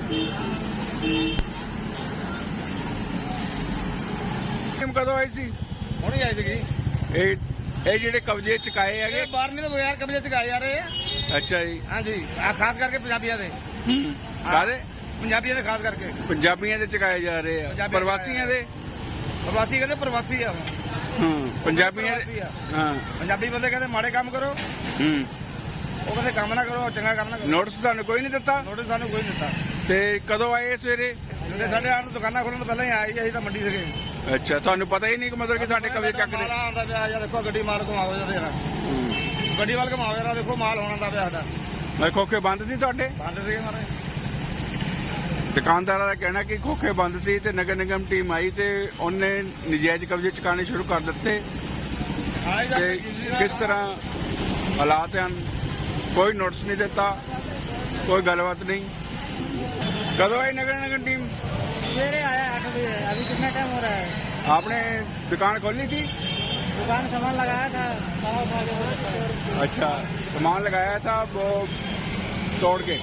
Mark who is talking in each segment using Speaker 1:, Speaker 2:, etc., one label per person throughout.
Speaker 1: कदों आई सी?
Speaker 2: ਹੁਣੇ ਆਈ ਸੀਗੀ।
Speaker 1: ਇਹ ਜਿਹੜੇ ਕਬਜ਼ੇ ਚੁਕਾਏ ਹੈਗੇ?
Speaker 2: ਇਹ ਬਾਹਰ ਨਹੀਂ ਤਾਂ ਬਗੈਰ ਕਬਜ਼ੇ ਚੁਕਾਏ ਜਾ ਰਹੇ ਆ।
Speaker 1: ਅੱਛਾ ਜੀ।
Speaker 2: ਹਾਂਜੀ, ਆ ਖਾਸ ਕਰਕੇ ਪੰਜਾਬੀਆਂ ਦੇ।
Speaker 1: ਕਾਹਦੇ?
Speaker 2: ਪੰਜਾਬੀਆਂ ਦੇ ਖਾਸ ਕਰਕੇ।
Speaker 1: ਪੰਜਾਬੀਆਂ ਦੇ ਚੁਕਾਏ ਜਾ ਰਹੇ ਆ, ਪ੍ਰਵਾਸੀਆਂ ਦੇ?
Speaker 2: ਪ੍ਰਵਾਸੀ ਕਹਿੰਦੇ ਪ੍ਰਵਾਸੀ ਆ।
Speaker 1: ਪੰਜਾਬੀਆਂ ਦੇ। ਹਾਂ,
Speaker 2: ਪੰਜਾਬੀ ਬੰਦੇ ਕਹਿੰਦੇ ਮਾੜੇ ਕੰਮ ਕਰੋ, ਉਹ ਕਹਿੰਦੇ ਕੰਮ ਨਾ ਕਰੋ, ਚੰਗਾ ਕੰਮ ਨਾ ਕਰੋ।
Speaker 1: ਨੋਟਿਸ ਤੁਹਾਨੂੰ ਕੋਈ ਨਹੀਂ ਦਿੱਤਾ?
Speaker 2: ਨੋਟਿਸ ਸਾਨੂੰ ਕੋਈ ਨਹੀਂ ਦਿੱਤਾ।
Speaker 1: ਤੇ ਕਦੋਂ ਆਏ ਸਵੇਰੇ?
Speaker 2: ਜਿਹੜੇ ਸਾਡੇ ਆਣ ਨੂੰ ਦੁਕਾਨਾਂ ਖੋਲਣ ਤੋਂ ਪਹਿਲਾਂ ਹੀ ਆਏ, ਅਸੀਂ ਤਾਂ ਮੰਡੀ ਸੀਗੇ।
Speaker 1: ਅੱਛਾ, ਤੁਹਾਨੂੰ ਪਤਾ ਹੀ ਨਹੀਂ ਕਿ ਮਤਲਬ ਕਿ ਸਾਡੇ ਕਬਜ਼ੇ ਚੱਕਦੇ?
Speaker 2: ਮਾਲ ਆਉਂਦਾ ਪਿਆ ਜਾਂ ਦੇਖੋ, ਗੱਡੀ ਮਾਲ ਘੁਮਾਓ ਜਾਂਦੇ ਆ, ਗੱਡੀ ਵੱਲ ਘੁਮਾਓ ਜਰਾ, ਦੇਖੋ ਮਾਲ ਹੋਣਾ ਦਾ ਪਿਆ ਸਾਡਾ।
Speaker 1: ਖੋਖੇ ਬੰਦ ਸੀ ਤੁਹਾਡੇ?
Speaker 2: ਬੰਦ ਸੀਗੇ ਮਾਰੇ।
Speaker 1: ਦੁਕਾਨਦਾਰਾਂ ਦਾ ਕਹਿਣਾ ਕਿ ਖੋਖੇ ਬੰਦ ਸੀ ਤੇ ਨਗਰ ਨਿਗਮ ਟੀਮ ਆਈ ਤੇ ਉਹਨੇ ਨਜਾਇਜ਼ ਕਬਜ਼ੇ ਚੁਕਾਣੇ ਸ਼ੁਰੂ ਕਰ ਦਿੱਤੇ। ਤੇ ਕਿਸ ਤਰ੍ਹਾਂ ਹਾਲਾਤ ਹਨ, ਕੋਈ ਨੋਟਿਸ ਨਹੀਂ ਦਿੱਤਾ, ਕੋਈ ਗੱਲਬਾत नहीं। कदों आई नगर निगम टीम?
Speaker 2: सवेरे आया 8 बजे। अभी कितना टाइम हो रहा है?
Speaker 1: आपने दुकान खोली थी?
Speaker 2: दुकान सामान लगाया था।
Speaker 1: अच्छा, सामान लगाया था वो तोड़ के?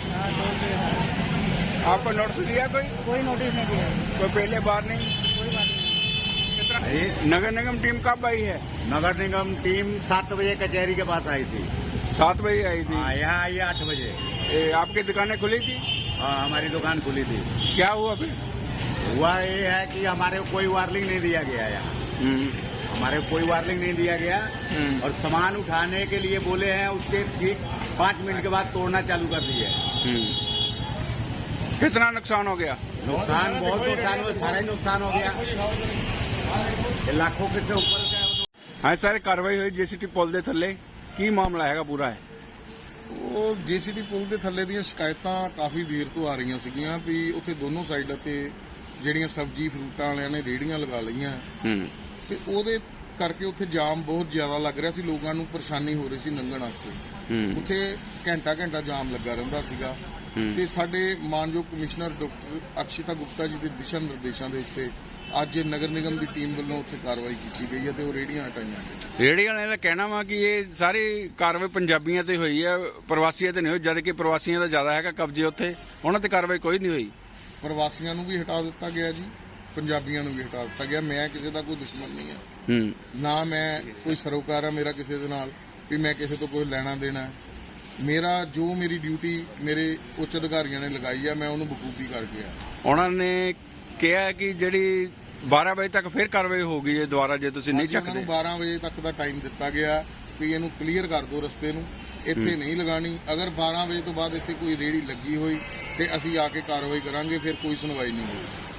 Speaker 1: आपको नोटिस दिया कोई
Speaker 2: नोटिस नहीं दिया,
Speaker 1: कोई पहले बार नहीं?
Speaker 2: कोई बात नहीं।
Speaker 1: नगर निगम टीम कब आई है?
Speaker 3: नगर निगम टीम 7 बजे कचहरी के पास आई थी।
Speaker 1: 7 बजे आई थी?
Speaker 3: यहाँ आई 8 बजे।
Speaker 1: आपकी दुकानें खुली थी?
Speaker 3: हाँ, हमारी दुकान खुली थी।
Speaker 1: क्या हुआ फिर?
Speaker 3: हुआ ये है कि हमारे को कोई वार्निंग नहीं दिया गया यहाँ। हमारे को कोई वार्निंग नहीं दिया गया और सामान उठाने के लिए बोले हैं, उसके ठीक 5 मिनट के बाद तोड़ना चालू कर दिए।
Speaker 1: कितना नुकसान हो गया?
Speaker 3: नुकसान बहुत नुकसान हुआ, सारा ही नुकसान हो गया, लाखों के से ऊपर का।
Speaker 1: हाँ सर, कार्रवाई हुई जेसीटी पुल ਦੇ ਥੱਲੇ, ਕੀ ਮਾਮਲਾ ਹੈਗਾ ਪੂਰਾ ਹੈ?
Speaker 4: ਉਹ ਜੀਸੀਟੀ ਪੁਲ ਦੇ ਥੱਲੇ ਦੀਆਂ ਸ਼ਿਕਾਇਤਾਂ ਕਾਫੀ ਦੇਰ ਤੋਂ ਆ ਰਹੀਆਂ ਸੀਗੀਆਂ ਵੀ ਉੱਥੇ ਦੋਨੋਂ ਸਾਈਡਾਂ ਤੇ ਜਿਹੜੀਆਂ ਸਬਜ਼ੀ ਫਰੂਟਾਂ ਵਾਲਿਆਂ ਨੇ ਰੇਹੜੀਆਂ ਲਗਾ ਲਈਆਂ ਤੇ ਉਹਦੇ ਕਰਕੇ ਉੱਥੇ ਜਾਮ ਬਹੁਤ ਜ਼ਿਆਦਾ ਲੱਗ ਰਿਹਾ ਸੀ, ਲੋਕਾਂ ਨੂੰ ਪਰੇਸ਼ਾਨੀ ਹੋ ਰਹੀ ਸੀ ਲੰਘਣ ਵਾਸਤੇ। ਉੱਥੇ ਘੰਟਾ ਜਾਮ ਲੱਗਾ ਰਹਿੰਦਾ ਸੀਗਾ ਤੇ ਸਾਡੇ ਮਾਨਯੋਗ ਕਮਿਸ਼ਨਰ ਡਾਕਟਰ ਅਕਸ਼ਿਤਾ ਗੁਪਤਾ ਜੀ ਦੇ ਦਿਸ਼ਾ ਨਿਰਦੇਸ਼ਾਂ ਦੇ ਉੱਤੇ ਅੱਜ ਨਗਰ ਨਿਗਮ ਦੀ ਟੀਮ ਵੱਲੋਂ ਉੱਥੇ ਕਾਰਵਾਈ ਕੀਤੀ ਗਈ ਹੈ ਤੇ ਉਹ ਰੇਹੜੀਆਂ ਹਟਾਈਆਂ ਗਈਆਂ।
Speaker 1: ਰੇਹੜੀ ਵਾਲਿਆਂ ਦਾ ਕਹਿਣਾ ਵਾ ਕਿ ਇਹ ਸਾਰੀ ਕਾਰਵਾਈ ਪੰਜਾਬੀਆਂ ਤੇ ਹੋਈ ਹੈ, ਪ੍ਰਵਾਸੀਆਂ ਤੇ ਨਹੀਂ ਹੋਈ, ਜਦ ਕਿ ਪ੍ਰਵਾਸੀਆਂ ਦਾ ਜ਼ਿਆਦਾ ਹੈਗਾ ਕਬਜ਼ੇ ਉੱਥੇ, ਉਹਨਾਂ ਤੇ ਕਾਰਵਾਈ ਕੋਈ ਨਹੀਂ ਹੋਈ।
Speaker 4: ਪ੍ਰਵਾਸੀਆਂ ਨੂੰ ਵੀ ਹਟਾ ਦਿੱਤਾ ਗਿਆ ਜੀ, ਪੰਜਾਬੀਆਂ ਨੂੰ ਵੀ ਹਟਾ ਦਿੱਤਾ ਗਿਆ। ਮੈਂ ਕਿਸੇ ਦਾ ਕੋਈ ਦੁਸ਼ਮਣ ਨਹੀਂ ਹਾਂ, ਨਾ ਮੈਂ ਕੋਈ ਸਰੋਕਾਰ ਆ ਮੇਰਾ ਕਿਸੇ ਦੇ ਨਾਲ ਵੀ ਮੈਂ ਕਿਸੇ ਤੋਂ ਕੋਈ ਲੈਣਾ ਦੇਣਾ। ਮੇਰਾ ਜੋ ਮੇਰੀ ਡਿਊਟੀ ਮੇਰੇ ਉੱਚ ਅਧਿਕਾਰੀਆਂ ਨੇ ਲਗਾਈ ਆ, ਮੈਂ ਉਹਨੂੰ ਬਖੂਬੀ ਕਰਕੇ ਆ।
Speaker 1: ਉਹਨਾਂ ਨੇ ਕਿਹਾ ਕਿ ਜਿਹੜੀ 12 ਵਜੇ ਤੱਕ ਫਿਰ ਕਾਰਵਾਈ ਹੋਊਗੀ ਜੇ ਦੁਬਾਰਾ ਜੇ ਤੁਸੀਂ ਨਹੀਂ ਚੱਕਦੇ।
Speaker 4: 12 ਵਜੇ ਤੱਕ ਦਾ ਟਾਈਮ ਦਿੱਤਾ ਗਿਆ ਵੀ ਇਹਨੂੰ ਕਲੀਅਰ ਕਰ ਦਿਓ, ਰਸਤੇ ਨੂੰ ਇੱਥੇ ਨਹੀਂ ਲਗਾਣੀ। ਅਗਰ 12 ਵਜੇ ਤੋਂ ਬਾਅਦ ਇੱਥੇ ਕੋਈ ਰੇਹੜੀ ਲੱਗੀ ਹੋਈ ਤੇ ਅਸੀਂ ਆ ਕੇ ਕਾਰਵਾਈ ਕਰਾਂਗੇ, ਫਿਰ ਕੋਈ ਸੁਣਵਾਈ ਨਹੀਂ ਹੋਈ।